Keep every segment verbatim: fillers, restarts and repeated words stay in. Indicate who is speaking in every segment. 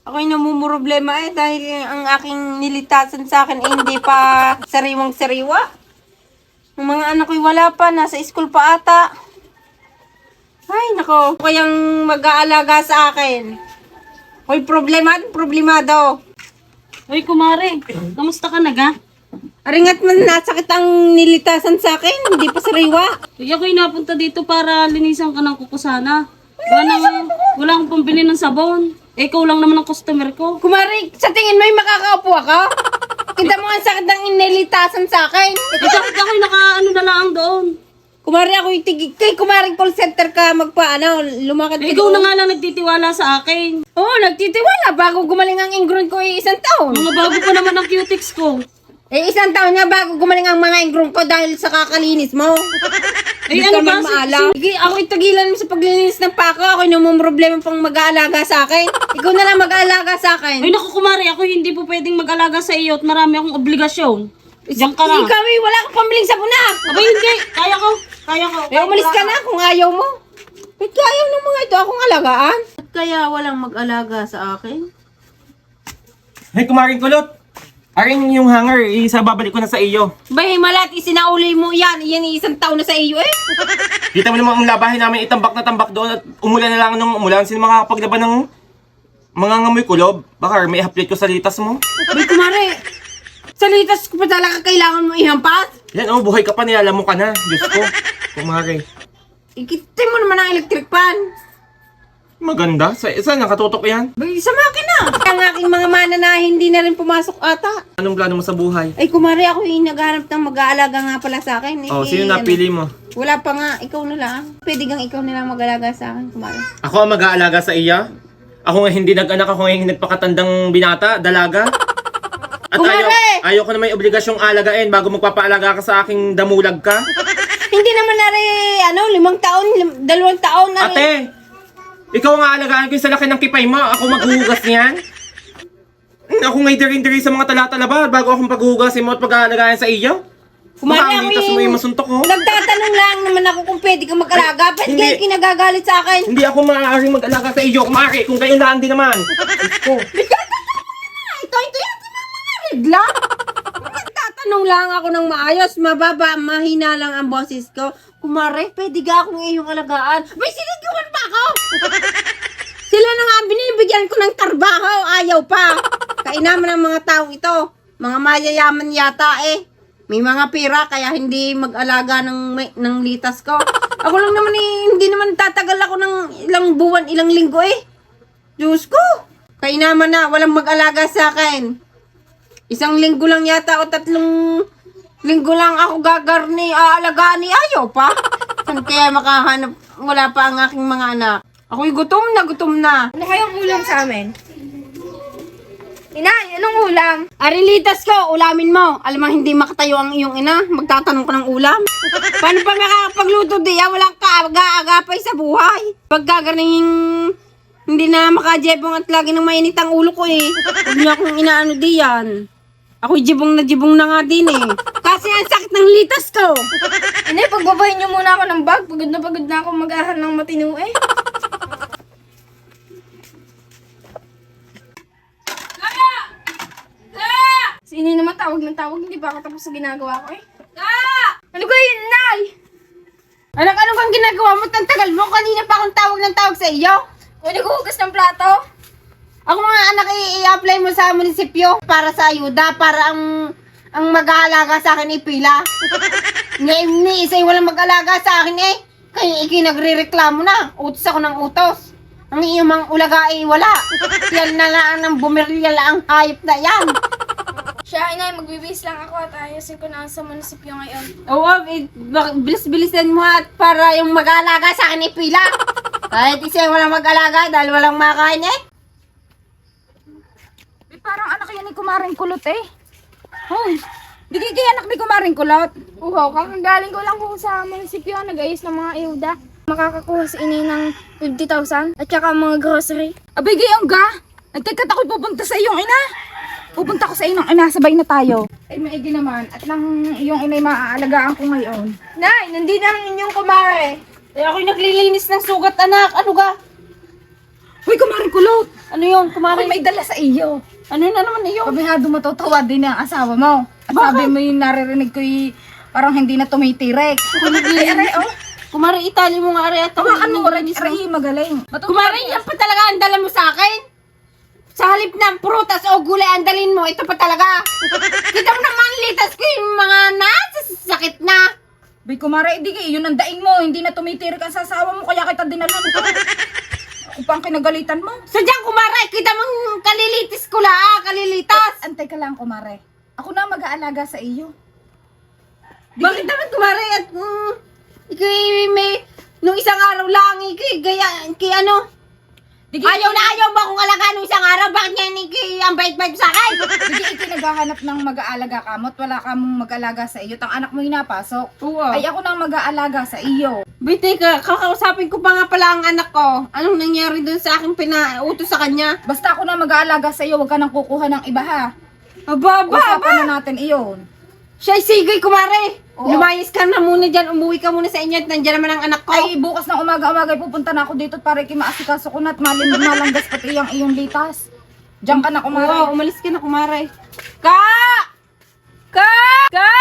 Speaker 1: Ako'y namumroblema eh dahil ang aking nilitasan sa akin eh, hindi pa sariwang sariwa. Ang mga anak ko'y wala pa, nasa school pa ata. Ay, nako. Kayang mag-aalaga sa akin. Hoy, problema, problemado.
Speaker 2: Hoy, kumare, kamusta ka na ga?
Speaker 1: Aringat man nasakit ang nilitasan sa akin, hindi pa sariwa.
Speaker 2: Kaya ako'y napunta dito para linisan ka ng kukusana. Wala, wala akong pambili ng sabon. Eh, ikaw lang naman ang customer ko.
Speaker 1: Kumari, sa tingin mo, makakaupo ako? Kita mo ang sakit ng inilitasan sa akin.
Speaker 2: Eh, bakit ako'y naka-ano na lang doon?
Speaker 1: Kumari, ako'y tigig. Kay kumari call center ka magpa, ano, lumakad
Speaker 2: Eh,
Speaker 1: ka
Speaker 2: ikaw
Speaker 1: doon.
Speaker 2: na nga lang nagtitiwala sa akin.
Speaker 1: Oo, nagtitiwala. Bago gumaling ang ingron ko eh, isang taon.
Speaker 2: Mga bago pa naman ang cutics ko.
Speaker 1: Eh, isang taon nga bago gumaling ang mga ingron ko dahil sa kakalinis mo.
Speaker 2: Eh,
Speaker 1: Hindi
Speaker 2: ano
Speaker 1: ka
Speaker 2: ba?
Speaker 1: man maalaw. Sige, ako'y tagilan mo sa paglilinis ng pako. Ako'y namumroblema pang mag-aalaga sa akin. Ikaw na lang mag-aalaga sa akin.
Speaker 2: Ay, naku, kumare, ako hindi po pwedeng mag-alaga sa iyo at marami akong obligasyon. Diyan ka lang.
Speaker 1: Ikaw eh, wala kang pambiling sabuna.
Speaker 2: Abay, hindi. Kaya ko. Kaya ko.
Speaker 1: Eh, umalis ka na kung ayaw mo. Ba't ayaw ng mga ito akong alagaan? At kaya walang mag-alaga sa akin?
Speaker 3: Hey, kumaring kulot! Aring yung hanger, isa babalik ko na sa iyo.
Speaker 1: Bay, malat, isinauli mo yan. Yan isang taon na sa iyo eh.
Speaker 3: Kita mo naman ang labahin namin, itambak na tambak doon at umulan na lang nung umulan. Sino makakapaglaban ng mga ngamoy kulob? Baka may update ko sa litas mo.
Speaker 1: Bay, kumare. Sa litas ko pa talaga kailangan mo ihampas.
Speaker 3: Yan oh, buhay ka pa, nilalam mo ka na. Diyos ko, kumare.
Speaker 1: Ikitin mo naman ang electric pan.
Speaker 3: Maganda. Sa, saan nakatutok yan?
Speaker 1: Bay, sa makina. Ang aking mga mana na hindi na rin pumasok ata.
Speaker 3: Anong plano mo sa buhay?
Speaker 1: Ay, kumare, ako yung naghanap ng mag-aalaga nga pala sa akin. Eh,
Speaker 3: Oh, sino
Speaker 1: ano,
Speaker 3: napili mo?
Speaker 1: Wala pa nga, ikaw na lang. Pwede kang ikaw na lang mag-aalaga sa akin, kumare.
Speaker 3: Ako ang mag-aalaga sa iya? Ako nga hindi nag-anak, ako nga hindi nagpakatandang binata, dalaga. At ayaw,
Speaker 1: Kumare!
Speaker 3: ayaw ko na may obligasyong alagain bago magpapaalaga ka sa aking damulag ka.
Speaker 1: Hindi naman na rin, ano, limang taon, lim- dalawang taon na rin.
Speaker 3: Ate! Ikaw ang aalagaan ko sa laki ng kipay mo. Ako maghuhugas niyan. Hmm, Ako nga'y dirin-diri sa mga talatalaba bago akong paghuhugasin mo at pag-aalagaan sa iyo.
Speaker 1: Kumari,
Speaker 3: Baka
Speaker 1: ako
Speaker 3: ang litas mo
Speaker 1: yung-
Speaker 3: yung masuntok ko.
Speaker 1: Nagtatanong lang naman ako kung pwede kang mag-alaga. Ba't
Speaker 3: hindi.
Speaker 1: kayo kinagagalit sa akin?
Speaker 3: Hindi ako maaaring mag-alaga sa iyo. Kumari, kung kayo lang din naman. Diyos ko.
Speaker 1: Ah, ito, ito yata ng mga regla. Nagtatanong lang ako ng maayos, mababa, mahina lang ang boses ko. Kumare, pwede ka akong iyong alagaan. May sinigawan pa ako! Sila na nga binibigyan ko ng trabaho, ayaw pa. Kainaman ng mga tao ito. Mga mayayaman yata eh. May mga pira kaya hindi mag-alaga ng, may- ng litas ko. Ako lang naman eh, hindi naman tatagal ako ng ilang buwan, ilang linggo eh. Diyos ko! Kainaman na, walang mag-alaga sa akin. Isang linggo lang yata o tatlong linggo lang ako gagarni, aalagaan ni ayaw pa. Saan kaya makahanap, wala pa ang aking mga anak. Ako'y gutom na, gutom na.
Speaker 4: Ano kayang ulam sa amin? Inay, anong ulam?
Speaker 1: Arilitas ko, ulamin mo. Alam mo, hindi makatayo ang iyong ina. Magtatanong ka ng ulam. Paano pa makakapagluto di? Ah, walang kaaga-agapay sa buhay. Pagkaganing hindi na makajebong at lagi nang mainit ang ulo ko eh. Huwag niyo akong inaano di yan. Ako'y jibong na jibong na nga din eh. Kasi ang sakit ng litas ko.
Speaker 4: Inay, pagbabahin niyo muna ako ng bag. Pagod na pagod na ako mag-ahal ng matino eh. Si Inay naman tawag ng tawag. Hindi pa ako tapos sa ginagawa ko eh. Ano ko yun, Inay?
Speaker 1: Anak, ano kang ginagawa mo? Ang tagal mo. Kanina pa akong tawag ng tawag sa iyo.
Speaker 4: O, naghuhugas ng plato?
Speaker 1: Ako mga anak, i- i-apply mo sa munisipyo para sa ayuda, para ang ang mag-aalaga sa akin ipila. Ngayon ni isa walang mag-alaga sa akin eh. Kaya iki nagre-reklamo na. Utos ako ng utos. Ang iyong mga ulaga ay wala. Yan na lang ang bumiryal ang hayop na yan.
Speaker 4: Siya, Inay, magbibis lang ako at ayusin ko na sa munisipyo ngayon.
Speaker 1: Oo, eh, bak- bilis-bilisan mo at para yung mag-aalaga sa akin ipila. Kahit isa walang mag-alaga dahil walang makain eh.
Speaker 4: Eh, parang anak yan ni Kumaring Kulot eh. Hoy, di kaya anak ni Kumaring Kulot. Uhaw, kakagaling ko lang po sa munisipyo, nag-ayos ng mga ayuda. Makakakuha si Inay ng fifty thousand at saka mga grocery.
Speaker 5: Abay, gayong ga! Nagkakat ako'y pupunta sa iyong ina! Pupunta ko sa iyong ina, sabay na tayo. Ay, maigi naman. At nang iyong ina'y maaalagaan ko ngayon.
Speaker 4: Nay, nandito na ang inyong kumare.
Speaker 1: Eh ako'y naglilinis ng sugat anak. Ano ga?
Speaker 5: Hoy, kumaring kulot!
Speaker 1: Ano yun,
Speaker 5: Ako'y
Speaker 1: kumare?
Speaker 5: may dala sa iyo.
Speaker 1: Ano na naman iyo?
Speaker 5: Kabihado matutuwa din ang asawa mo. At sabi mo yung naririnig ko'y parang hindi na tumitirek. Ay, aray, oh.
Speaker 1: Kumare, itali mo nga aray at ako.
Speaker 5: Tawa, ano, aray, aray, magaling. Matutuwa.
Speaker 1: Kumare, yan pa talaga ang dala mo sa akin? Sa halip ng prutas o gulay ang dalin mo, ito pa talaga. Kita mo naman, litas ko yung mga nasasakit na.
Speaker 5: Bay, kumare, di kayo, yun ang daing mo. Hindi na tumitirik ang sasawa mo, kaya kita dinalan ko. Ako pa ang kinagalitan mo.
Speaker 1: Sadyang kumare, kita mong kalilitis ko la, ah, kalilitas.
Speaker 5: Antay ka lang, kumare. Ako na mag-aalaga sa iyo.
Speaker 1: Bakit naman kumare at mm, ikay may, nung isang araw lang, ikay gaya, ikay ano,
Speaker 5: Digi,
Speaker 1: ayaw na ayaw ba kung alaga nung isang araw, bakit niya ikay ang bait-bait sa akin?
Speaker 5: Digi, iki naghahanap ng mag-aalaga ka mo at wala ka mong mag-aalaga sa iyo. Tang anak mo hinapasok.
Speaker 1: Oo.
Speaker 5: Ay, ako nang mag-aalaga sa iyo.
Speaker 1: Bitay ka, kakausapin ko pa nga pala ang anak ko. Anong nangyari dun sa aking pinautos sa kanya?
Speaker 5: Basta ako na mag-aalaga sa iyo, huwag ka nang kukuha ng iba ha.
Speaker 1: Aba, aba, aba.
Speaker 5: Usapan na natin iyon.
Speaker 1: Siya sigay, kumare.
Speaker 5: Oo.
Speaker 1: Lumayas ka na muna dyan, umuwi ka muna sa inyo at nandiyan naman ang anak ko.
Speaker 5: Ay, bukas ng umaga-umaga pupunta na ako dito para kimaasikaso ko na at malim malanggas pati ang iyong litas. Diyan ka na, kumare.
Speaker 1: Oo, umalis ka na, kumare. Ka! Ka! Ka!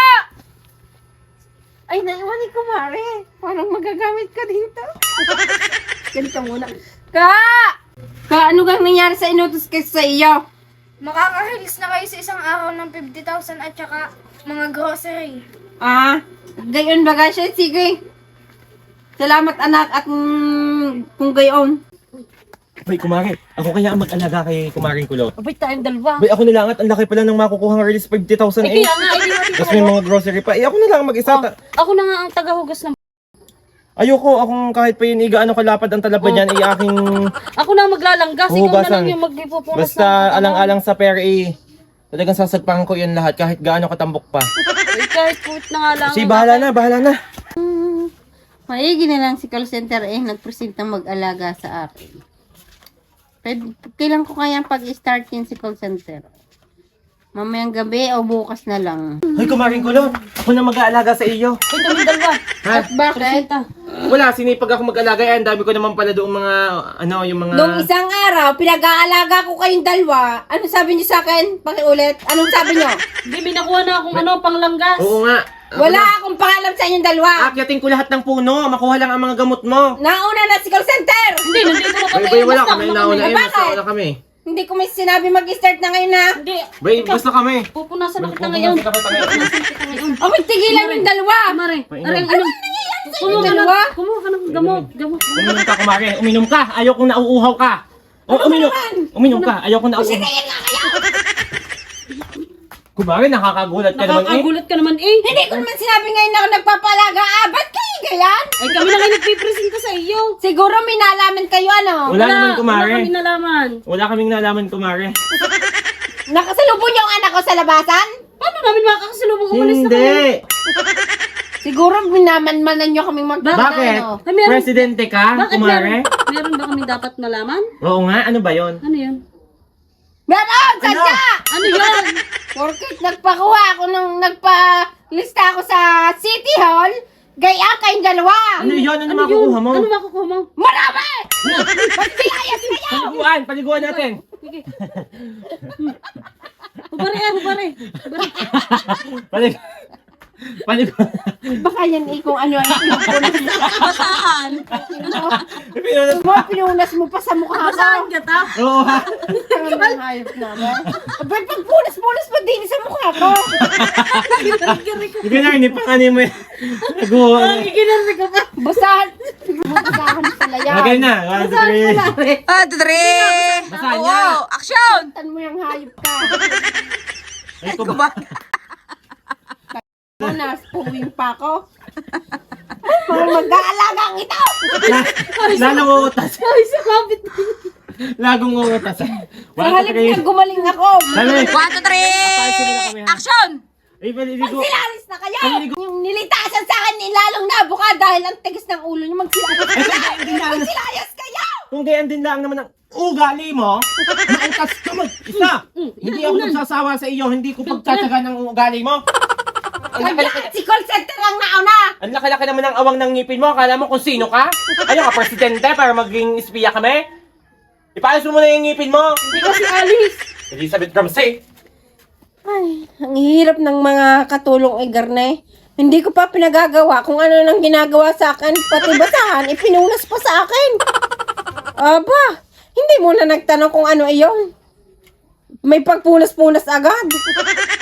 Speaker 1: Ay, naiwan ni kumare. Parang magagamit ka dito. Ganito muna. Ka! Ka, ano kang nangyari sa inutos ko sa iyo?
Speaker 4: Makakahilis na kayo sa isang araw ng fifty thousand at saka mga grocery.
Speaker 1: Ah, gayon ba siya? Sige. Salamat anak at mm, kung gayon.
Speaker 3: Bay, kumare, ako kaya ang mag-alaga kay kumaring kulot.
Speaker 2: Abay tayong dalawa.
Speaker 3: Bay, ako na lang at ang laki pala ng makukuha ng release fifty thousand
Speaker 2: Eh,
Speaker 3: eh.
Speaker 2: kaya nga, eh, di natin
Speaker 3: Tapos may mga grocery pa. Eh, ako na lang mag-isa.
Speaker 2: Oh,
Speaker 3: Ta-
Speaker 2: ako na nga ang tagahugas ng...
Speaker 3: Ayoko, akong kahit pa yun, iga, ano kalapad ang talaba niyan, eh, aking
Speaker 2: Ako na ang maglalanggas. Ikaw na
Speaker 3: hugasan.
Speaker 2: lang yung magpupunas.
Speaker 3: Basta alang-alang sa pera, eh. Talagang sasagpahan ko yun lahat, kahit gaano katambok pa.
Speaker 2: Eh, kahit puwit na nga lang.
Speaker 3: Kasi bahala na, bahala na.
Speaker 1: Maigi na lang si call center eh, nagpresentang mag-alaga sa akin. Pwede, kailan ko kaya pag-start yun si call center? Mamayang gabi o bukas na lang?
Speaker 3: Hoy, kumaring kulot, ako na mag-aalaga sa iyo.
Speaker 2: Uy, kami dalawa.
Speaker 3: Ha?
Speaker 1: Bakit?
Speaker 2: Presenta.
Speaker 3: Wala, sinipag ako mag-alaga, eh, ang dami ko naman pala doong mga, ano, yung mga...
Speaker 1: Nung isang araw, pinag-aalaga ko kayong dalawa. Ano sabi niyo sa akin? Pakiulit. Anong sabi niyo?
Speaker 2: Hindi, may nakuha na akong ano, panglanggas.
Speaker 3: Oo nga. Ako
Speaker 1: Wala
Speaker 3: na.
Speaker 1: akong pangalam sa inyong dalawa.
Speaker 3: Akyatin ko lahat ng puno, makuha lang ang mga gamot mo.
Speaker 1: Nauna na si call center.
Speaker 2: Hindi, nandito na kami.
Speaker 3: Bay, bay, wala
Speaker 2: Basta
Speaker 3: kami,
Speaker 2: ako
Speaker 3: nauna
Speaker 2: kami.
Speaker 3: eh,
Speaker 1: Bakit?
Speaker 3: basta wala kami.
Speaker 1: Hindi ko may sinabi mag-start na ngayon na.
Speaker 2: Hindi.
Speaker 3: Bay, basta kami.
Speaker 2: Pupunasan na kita ngayon.
Speaker 3: Pupunasan ka kita ngayon.
Speaker 2: Pupunasan kita ngayon.
Speaker 1: O, magtigilan yung dalawa.
Speaker 2: Mare,
Speaker 3: Painom.
Speaker 2: aring ano? Kumuha ka
Speaker 1: dalawa?
Speaker 2: ng, kumuha ka ng gamot. Gamot.
Speaker 3: Uminom ka, kumari. Uminom ka. Ayaw kong nauuhaw ka. O, uminom. Uminom ka. Ayaw kong nauuhaw. Kumari, nakakagulat ka naman eh.
Speaker 2: Nakakagulat ka naman eh.
Speaker 1: Hindi ko naman sinabi ngayon na ako nagpapalaga. Ah, ba't kayo ganyan?
Speaker 2: Ay, kami na kayo nagpipresenta sa iyo.
Speaker 1: Siguro may nalaman kayo ano?
Speaker 3: Wala naman, kumari.
Speaker 2: Wala kami nalaman.
Speaker 3: Wala kaming nalaman, kumari.
Speaker 1: Nakasalubong niyo ang anak ko sa labasan?
Speaker 2: Paano namin makakasalubong umalis na kami?
Speaker 3: Hindi.
Speaker 1: Siguro minamanmanan niyo kaming mag...
Speaker 3: Bakit?
Speaker 1: Ano?
Speaker 2: Ay, meron-
Speaker 3: Presidente ka,
Speaker 2: Bakit
Speaker 3: kumari?
Speaker 2: meron, meron ba kami dapat malaman?
Speaker 3: Oo nga, ano ba yon?
Speaker 2: Ano yun?
Speaker 1: Meron! Sadya!
Speaker 2: Ano yun?
Speaker 1: Porkit nagpakuha ako nung nagpa-lista ako sa City Hall, gaya kayong dalawa!
Speaker 3: Ano yun? Ano,
Speaker 2: Ano
Speaker 3: makukuha
Speaker 2: yun?
Speaker 3: mo?
Speaker 2: Ano makukuha mo?
Speaker 1: Marami! Magsilayas kayo!
Speaker 3: Paliguan, paliguan natin.
Speaker 2: Sige. Hubari eh, hubari. Hubari.
Speaker 3: Palig... Paliguan.
Speaker 1: Baka yan eh kung ano ay pinupunas.
Speaker 2: Basahan.
Speaker 3: Pinunas.
Speaker 1: Mo, pinunas mo pa sa mukha
Speaker 2: Basahan
Speaker 1: ko.
Speaker 2: ka ta?
Speaker 3: Oo ha.
Speaker 1: Ang hayop naman. Abay, pagpunas-punas pa din sa mukha ko.
Speaker 3: Hindi na, hindi pa kanin mo yan. Naguha.
Speaker 2: Ginari ka pa.
Speaker 1: Basahan. Basahan pala yan.
Speaker 3: Lagay na. One, two, three.
Speaker 5: Ah, three!
Speaker 3: Basahan niya.
Speaker 5: Action!
Speaker 1: Tan mo yung hayop ka.
Speaker 3: Ay, kuba.
Speaker 1: Punas, puwing pa ako. Mga mag-aalagang ito!
Speaker 3: Lalong uutas.
Speaker 2: Ay, sa kapit.
Speaker 3: Lagong uutas.
Speaker 1: Sa
Speaker 3: One, two,
Speaker 1: halip
Speaker 3: three.
Speaker 1: na gumaling ako.
Speaker 3: Dali.
Speaker 5: One, two, three! Action!
Speaker 3: Ay, paliligo.
Speaker 1: Magsilalis na kayo! Yung nilitasan sa akin, nilalong nabuka dahil ang tigas ng ulo niyo. Magsilayas kayo! Magsilayas kayo!
Speaker 3: Kung gayan din lang naman ang ugali mo, mautas ka mag-isa. Hindi ako magsasawa sa iyo, hindi ko pagtataga ng ugali mo. Ang
Speaker 1: Ayan,
Speaker 3: laki-laki,
Speaker 1: si call center ang nauna!
Speaker 3: ang laki-laki naman ng awang ng ngipin mo. Akala mo kung sino ka? Ayaw ka, presidente, para maging espiya kami? Ipayos mo muna yung ngipin mo!
Speaker 1: Hindi kasi alis.
Speaker 3: Elizabeth Ramsey!
Speaker 1: Ay, ang hirap ng mga katulong Igarne. Hindi ko pa pinagagawa kung ano nang ginagawa sa akin. Pati basahan, ipinunas pa sa akin. Aba, hindi mo na nagtanong kung ano iyon. May pagpunas-punas agad.